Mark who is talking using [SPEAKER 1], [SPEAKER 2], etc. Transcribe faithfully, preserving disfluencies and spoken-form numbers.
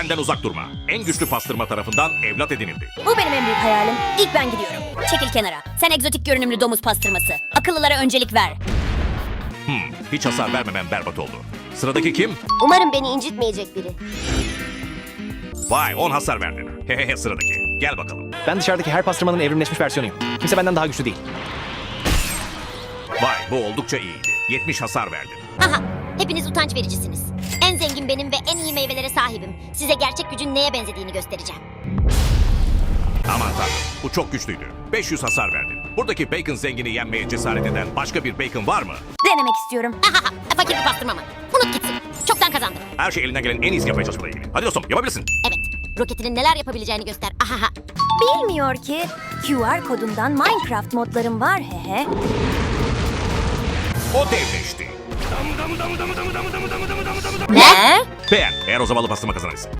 [SPEAKER 1] Benden uzak durma. En güçlü pastırma tarafından evlat edinildi.
[SPEAKER 2] Bu benim en büyük hayalim. İlk ben gidiyorum. Çekil kenara. Sen egzotik görünümlü domuz pastırması. Akıllılara öncelik ver.
[SPEAKER 1] Hmm, hiç hasar vermemem berbat oldu. Sıradaki kim?
[SPEAKER 3] Umarım beni incitmeyecek biri.
[SPEAKER 1] Vay on hasar verdin. Hehehe sıradaki. Gel bakalım.
[SPEAKER 4] Ben dışarıdaki her pastırmanın evrimleşmiş versiyonuyum. Kimse benden daha güçlü değil.
[SPEAKER 1] Vay bu oldukça iyiydi. yetmiş hasar verdin.
[SPEAKER 3] Aha, hepiniz utanç vericisiniz. En zengin benim ve en iyi meyvelere sahibim. Size gerçek gücün neye benzediğini göstereceğim.
[SPEAKER 1] Aman tanrım bu çok güçlüydü. beş yüz hasar verdin. Buradaki bacon zengini yenmeye cesaret eden başka bir bacon var mı?
[SPEAKER 2] Denemek istiyorum.
[SPEAKER 3] Ahaha, fakir bir pastırma mı? Unut gitsin. Çoktan kazandım.
[SPEAKER 1] Her şey elinden gelen en iyisi yapmaya çalışmaya ilgili. Hadi dostum yapabilirsin.
[SPEAKER 3] Evet, roketinin neler yapabileceğini göster. Ahaha.
[SPEAKER 2] Bilmiyor ki Q R kodundan Minecraft modlarım var hehe.
[SPEAKER 1] O devleşti.
[SPEAKER 2] Ne?
[SPEAKER 1] Beğen eğer o zavallı pastırma kazanırsa.